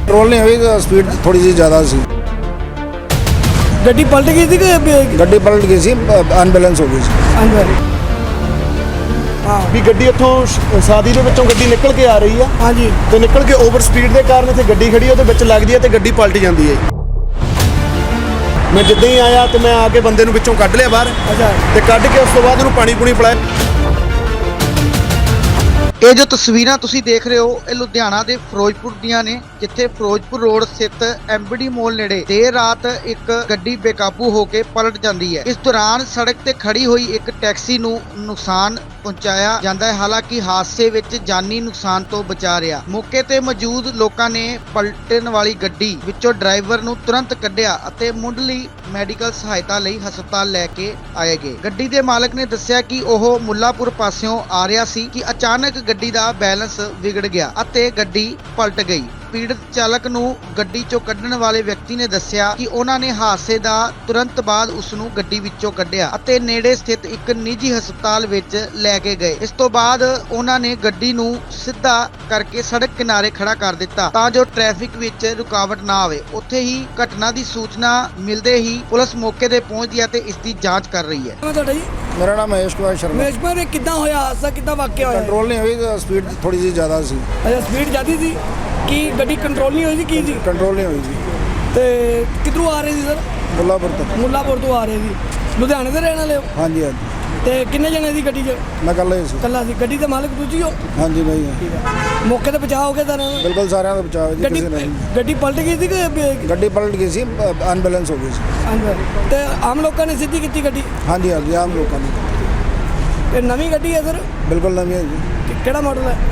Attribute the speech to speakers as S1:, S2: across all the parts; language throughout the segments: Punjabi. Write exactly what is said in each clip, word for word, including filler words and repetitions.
S1: कंट्रोल नहीं हुई, स्पीड थोड़ी सी ज़्यादा सी।
S2: ਗੱਡੀ ਪਲਟ ਗਈ ਸੀ ਕਿ
S1: गड्डी पलट गई सी, अनबैलेंस हो गई सी।
S2: ਅੰਦਰ ਹਾਂ
S3: ਵੀ ਗੱਡੀ ਇੱਥੋਂ ਸ਼- ਸਾਦੀ ਦੇ ਵਿੱਚੋਂ ਗੱਡੀ ਨਿਕਲ ਕੇ ਆ ਰਹੀ ਆ
S2: ਹਾਂਜੀ
S3: ਤੇ ਨਿਕਲ ਕੇ ਓਵਰ ਸਪੀਡ ਦੇ ਕਾਰਨ ਇੱਥੇ ਗੱਡੀ ਖੜੀ ਆ, ਉਹਦੇ ਵਿੱਚ ਲੱਗਦੀ ਆ ਤੇ ਗੱਡੀ ਪਲਟ ਜਾਂਦੀ ਹੈ। ਮੈਂ ਜਿੱਦਾਂ ਹੀ ਆਇਆ ਤੇ ਮੈਂ ਆ ਕੇ ਬੰਦੇ ਨੂੰ ਵਿੱਚੋਂ ਕੱਢ ਲਿਆ ਬਾਹਰ
S2: ਅੱਛਾ
S3: ਤੇ ਕੱਢ ਕੇ ਉਸ ਤੋਂ ਬਾਅਦ ਉਹਨੂੰ ਪਾਣੀ ਪੂਣੀ ਪਿਲਾਇਆ।
S4: ਇਹ ਜੋ ਤਸਵੀਰਾਂ ਤੁਸੀਂ ਦੇਖ ਰਹੇ ਹੋ ਇਹ ਲੁਧਿਆਣਾ ਦੇ ਫਿਰੋਜ਼ਪੁਰ ਦੀਆਂ ਨੇ, ਜਿੱਥੇ ਫਿਰੋਜ਼ਪੁਰ ਰੋਡ ਸਥਿਤ ਐਮਬੀਡੀ ਮੋਲ ਨੇੜੇ ਦੇਰ ਰਾਤ ਇੱਕ ਗੱਡੀ ਬੇਕਾਬੂ ਹੋ ਕੇ ਪਲਟ ਜਾਂਦੀ ਹੈ। ਇਸ ਦੌਰਾਨ ਸੜਕ ਤੇ ਖੜੀ ਹੋਈ ਇੱਕ ਟੈਕਸੀ ਨੂੰ ਨੁਕਸਾਨ ਪਹੁੰਚਾਇਆ ਜਾਂਦਾ ਹੈ। ਹਾਲਾਂਕਿ ਹਾਦਸੇ ਵਿੱਚ ਜਾਨੀ ਨੁਕਸਾਨ ਤੋਂ ਬਚਾ ਰਿਹਾ। ਮੌਕੇ ਤੇ ਮੌਜੂਦ ਲੋਕਾਂ ਨੇ ਪਲਟਣ ਵਾਲੀ ਗੱਡੀ ਵਿੱਚੋਂ ਡਰਾਈਵਰ ਨੂੰ ਤੁਰੰਤ ਕੱਢਿਆ ਅਤੇ ਮੁੱਢਲੀ ਮੈਡੀਕਲ ਸਹਾਇਤਾ ਲਈ ਹਸਪਤਾਲ ਲੈ ਕੇ ਆਏ ਗਏ। ਗੱਡੀ ਦੇ ਮਾਲਕ ਨੇ ਦੱਸਿਆ ਕਿ ਉਹ ਮੁੱਲਾਪੁਰ ਪਾਸਿਓਂ ਆ ਰਿਹਾ ਸੀ ਕਿ ਅਚਾਨਕ ਗੱਡੀ ਦਾ ਬੈਲੈਂਸ ਵਿਗੜ ਗਿਆ ਅਤੇ ਗੱਡੀ ਪਲਟ ਗਈ। ਪੀੜਤ ਚਾਲਕ ਨੂੰ ਗੱਡੀ ਚੋਂ ਕੱਢਣ ਵਾਲੇ ਵਿਅਕਤੀ ਨੇ ਦੱਸਿਆ ਕਿ ਉਹਨਾਂ ਨੇ ਹਾਦਸੇ ਦਾ ਤੁਰੰਤ ਬਾਅਦ ਉਸ ਨੂੰ ਗੱਡੀ ਵਿੱਚੋਂ ਕੱਢਿਆ ਅਤੇ ਨੇੜੇ ਸਥਿਤ ਇੱਕ ਨਿੱਜੀ ਹਸਪਤਾਲ ਵਿੱਚ ਲੈ ਕੇ ਗਏ। ਇਸ ਤੋਂ ਬਾਅਦ ਉਹਨਾਂ ਨੇ ਗੱਡੀ ਨੂੰ ਸਿੱਧਾ ਕਰਕੇ ਸੜਕ ਕਿਨਾਰੇ ਖੜਾ ਕਰ ਦਿੱਤਾ ਤਾਂ ਜੋ ਟ੍ਰੈਫਿਕ ਵਿੱਚ ਰੁਕਾਵਟ ਨਾ ਆਵੇ। ਉੱਥੇ ਹੀ ਘਟਨਾ ਦੀ ਸੂਚਨਾ ਮਿਲਦੇ ਹੀ ਪੁਲਿਸ ਮੌਕੇ ਤੇ ਪਹੁੰਚੀ ਅਤੇ ਇਸ ਦੀ ਜਾਂਚ ਕਰ ਰਹੀ ਹੈ।
S2: ਮੈਂ ਤੁਹਾਡਾ ਜੀ
S1: मेरा नाम महेश कुमार शर्मा।
S2: ਮੇਸ਼ ਪਰ ਇਹ ਕਿੱਦਾਂ ਹੋਇਆ ਹਾਦਸਾ, ਕਿੱਦਾਂ ਵਾਕਿਆ ਹੋਇਆ?
S1: कंट्रोल नहीं हुई, स्पीड थोड़ी सी ज़्यादा सी।
S2: ਅੱਛਾ ਸਪੀਡ ਜ਼ਿਆਦੀ ਸੀ ਕਿ ਗੱਡੀ ਕੰਟਰੋਲ ਨਹੀਂ ਹੋਈ ਸੀ ਕੀ ਸੀ?
S1: कंट्रोल नहीं हुई जी।
S2: ਤੇ ਕਿੱਧਰੋਂ ਆ ਰਹੇ ਸੀ ਸਰ?
S1: मुल्लापुर तक।
S2: ਮੁੱਲਾਪੁਰ ਤੋਂ ਆ ਰਹੇ ਸੀ। ਲੁਧਿਆਣੇ ਦੇ ਰਹਿਣ ਵਾਲੇ ਹੋ?
S1: हाँ जी हाँ जी,
S2: ਤੇ ਕਿੰਨੇ ਜਣੇ ਸੀ ਗੱਡੀ 'ਚ?
S1: मैं कल ही सी।
S2: ਕੱਲਾ ਸੀ। ਗੱਡੀ ਦੇ ਮਾਲਕ ਤੁਸੀਂ ਹੋ?
S1: हाँ जी भाई,
S2: ਠੀਕ ਹੈ। ਮੌਕੇ ਤੇ ਬਚਾਅ ਹੋ ਗਿਆ ਸਾਰਿਆਂ ਦਾ?
S1: बिल्कुल सारे का बचाव है जी,
S2: ਗੱਡੀ
S1: किसी ने नहीं।
S2: ਗੱਡੀ ਪਲਟ ਗਈ ਸੀ ਕਿ
S1: गड्डी पलट गई सी, अनबैलेंस हो गई सी।
S2: ਅੰਦਰ ਤੇ ਆਮ ਲੋਕਾਂ ਨੇ ਸਿੱਧੀ ਕੀਤੀ ਗੱਡੀ?
S1: हाँ जी हाँ जी, आम लोगों ने
S2: ਇਹ ਨਵੀਂ ਗੱਡੀ ਹੈ ਸਰ?
S1: बिल्कुल नवी है जी,
S2: ਕਿ- ਕਿਹੜਾ ਮਾਡਲ ਹੈ?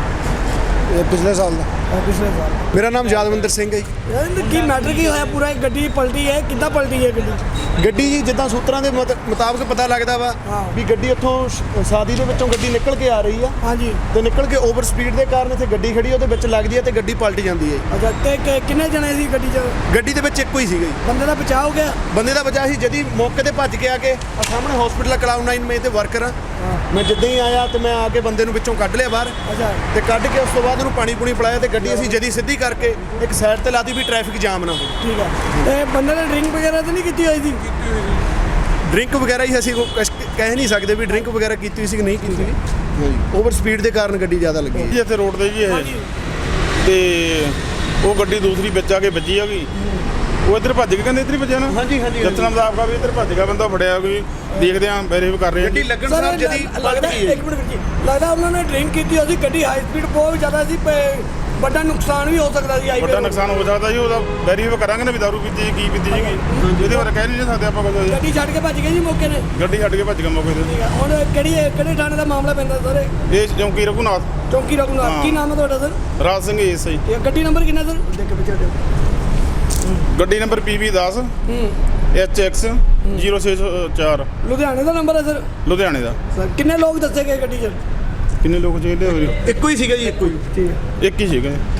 S1: ये पिछले साल का।
S2: ਇਹ ਪਿਛਲੇ ਸਾਲ।
S3: ਮੇਰਾ ਨਾਮ ਯਾਦਵਿੰਦਰ ਸਿੰਘ ਹੈ ਜੀ।
S2: ਯਾਰ ਇਹਦਾ ਕੀ ਮੈਟਰ ਕੀ ਹੋਇਆ ਪੂਰਾ? ਇਹ ਗੱਡੀ ਪਲਟੀ ਹੈ, ਕਿੱਦਾਂ ਪਲਟੀ ਹੈ ਗੱਡੀ?
S3: ਗੱਡੀ ਜੀ ਜਿੱਦਾਂ ਸੂਤਰਾਂ ਦੇ ਮੁਤ- ਮੁਤਾਬਕ ਪਤਾ ਲੱਗਦਾ ਵਾ
S2: ਹਾਂ।
S3: ਵੀ ਗੱਡੀ ਇੱਥੋਂ ਸ਼- ਸਾਦੀ ਦੇ ਵਿੱਚੋਂ ਗੱਡੀ ਨਿਕਲ ਕੇ ਆ ਰਹੀ ਆ
S2: ਹਾਂਜੀ
S3: ਤੇ ਨਿਕਲ ਕੇ ਓਵਰ ਸਪੀਡ ਦੇ ਕਾਰਨ ਇੱਥੇ ਗੱਡੀ ਖੜੀ ਆ, ਉਹਦੇ ਵਿੱਚ ਲੱਗਦੀ ਆ ਤੇ ਗੱਡੀ ਪਲਟ ਜਾਂਦੀ ਹੈ।
S2: ਅੱਛਾ ਤੇ ਕਿ- ਕਿੰਨੇ ਜਣੇ ਸੀ ਗੱਡੀ 'ਚ?
S3: ਗੱਡੀ ਦੇ ਵਿੱਚ ਇੱਕੋ ਹੀ ਸੀਗਾ ਜੀ।
S2: ਬੰਦੇ ਦਾ ਬਚਾਅ ਹੋ ਗਿਆ?
S3: ਬੰਦੇ ਦਾ ਬਚਾ ਸੀ, ਜਦੀ ਮੌਕੇ ਤੇ ਭੱਜ ਕੇ ਆ ਕੇ ਆ ਸਾਹਮਣੇ ਹਸਪੀਟਲ ਕਲਾਉਡ ਨਾਈਨ ਮੈਂ ਤੇ ਵਰਕਰ ਆ। ਮੈਂ ਜਿੱਦਾਂ ਹੀ ਆਇਆ ਤੇ ਮੈਂ ਆ ਕੇ ਬੰਦੇ ਨੂੰ ਵਿੱਚੋਂ ਕੱਢ ਲਿਆ ਬਾਹਰ
S2: ਅੱਛਾ
S3: ਤੇ ਕੱਢ ਕੇ ਉਸ ਤੋਂ ਬਾਅਦ ਉਹਨੂੰ ਪਾਣੀ ਪੂਣੀ ਪਿਲਾਇਆ ਤੇ ਗੱਡੀ ਅਸੀਂ ਜਦੀ ਸਿੱਧੀ ਕਰਕੇ ਇੱਕ ਸਾਈਡ ਤੇ ਲਾਤੀ ਵੀ ਟ੍ਰੈਫਿਕ ਜਾਮ ਨਾ ਹੋਵੇ।
S2: ਠੀਕ ਹੈ। ਤੇ ਬੰਦੇ ਨੇ ਡਰਿੰਕ ਵਗੈਰਾ ਤਾਂ ਨਹੀਂ ਕੀਤੀ ਹੋਈ ਸੀ?
S3: ਡਰਿੰਕ ਵਗੈਰਾ ਹੀ ਅਸੀਂ ਕੋਈ ਕੁਛ ਕਹਿ ਨਹੀਂ ਸਕਦੇ ਵੀ ਡਰਿੰਕ ਵਗੈਰਾ ਕੀਤੀ ਹੋਈ ਸੀ ਕਿ ਨਹੀਂ ਕੀਤੀ ਹੋਈ। ਓਵਰ ਸਪੀਡ ਦੇ ਕਾਰਨ ਗੱਡੀ ਜ਼ਿਆਦਾ ਲੱਗੀ ਹੈ।
S5: ਜੀ ਇੱਥੇ ਰੋਡ ਤੇ ਜੀ ਇਹ
S2: ਹਾਂਜੀ
S5: ਤੇ ਉਹ ਗੱਡੀ ਦੂਸਰੀ ਵਿੱਚ ਆ ਕੇ ਵੱਜੀ ਹੈਗੀ। ਉਹ ਇੱਧਰ ਭੱਜ ਕੇ ਕਹਿੰਦੇ ਇੱਧਰ ਹੀ ਵੱਜਿਆ ਨਾ।
S3: ਹਾਂਜੀ ਹਾਂਜੀ
S5: ਜਤਨਾ ਦਾ ਆਪਕਾ ਵੀ ਇੱਧਰ ਭੱਜ ਗਿਆ ਬੰਦਾ ਫੜਿਆ ਕੋਈ ਦੇਖਦੇ ਆਂ ਵੈਰੀਫਾਈ ਕਰ ਰਹੇ ਹਾਂ
S3: ਗੱਡੀ
S5: ਜੀ।
S3: ਲੱਗਣ
S2: ਸਰ
S3: ਸਾਰ ਜਦੀ ਪਲਟ
S2: ਲੱਗਦਾ
S3: ਗਈ ਹੈ।
S2: ਇੱਕ ਮਿੰਟ ਵੀਰ ਜੀ, ਲੱਗਦਾ ਉਹਨਾਂ ਨੇ ਡਰਿੰਕ ਕੀਤੀ ਹੋਈ ਸੀ। ਗੱਡੀ ਹਾਈ ਸਪੀਡ ਬਹੁਤ ਜ਼ਿਆਦਾ ਸੀ, ਪ- ਵੱਡਾ ਨੁਕਸਾਨ ਵੀ ਹੋ ਸਕਦਾ ਸੀ।
S5: ਵੱਡਾ ਨੁਕਸਾਨ ਹੋ ਸਕਦਾ ਜੀ, ਉਹਦਾ ਵੈਰੀਫਾਈ ਕਰਾਂਗੇ ਨਾ ਵੀ ਦਾਰੂ ਪੀਤੀ ਸੀ, ਕੀ ਪੀਤੀ ਸੀਗੀ। ਇਹਦੇ ਬਾਰੇ ਕਹਿ ਨਹੀਂ ਸਕਦੇ ਆਪਾਂ ਕੁਝ ਜੀ।
S2: ਗੱਡੀ ਛੱਡ ਕੇ ਭੱਜ ਗਏ ਜੀ ਮੌਕੇ ਨੇ?
S5: ਗੱਡੀ ਛੱਡ ਕੇ ਭੱਜ ਗਿਆ ਮੌਕੇ ਤੇ।
S2: ਠੀਕ ਹੈ। ਹੁਣ ਕਿਹੜੀ ਕਿਹੜੇ ਥਾਣੇ ਦਾ ਮਾਮਲਾ ਪੈਂਦਾ ਸਰ?
S5: ਇਹ ਚੌਂਕੀ ਰਘੂਨਾਥ
S2: ਚੌਂਕੀ ਰਘੂਨਾਥ।
S5: ਹਾਂ।
S2: ਕੀ ਨਾਮ ਹੈ ਤੁਹਾਡਾ ਸਰ?
S5: ਰਾਜ ਸਿੰਘ ਏਸ ਆਈ।
S2: ਇਹ ਗੱਡੀ ਨੰਬਰ ਕਿੰਨਾ ਸਰ? ਦੇਖ ਕੇ ਪਿੱਛੇ
S5: ਗੱਡੀ ਨੰਬਰ ਪੀ ਵੀ ਦਸ
S2: ਹੂੰ
S5: ਐਚ ਐਕਸ ਜ਼ੀਰੋ ਛੇ ਸੌ ਚਾਰ
S2: ਲੁਧਿਆਣੇ ਦਾ ਨੰਬਰ ਹੈ ਸਰ?
S5: ਲੁਧਿਆਣੇ ਦਾ।
S2: ਸਰ ਕਿੰਨੇ ਲੋਕ ਦੱਸੇ ਗਏ ਗੱਡੀ 'ਚ?
S5: ਕਿੰਨੇ ਲੋਕ ਚਾਹੀਦੇ ਹੋਏ?
S3: ਇੱਕੋ ਹੀ ਸੀਗਾ ਜੀ, ਇੱਕੋ ਹੀ।
S2: ਠੀਕ ਹੈ।
S5: ਇੱਕ ਹੀ ਸੀਗਾ।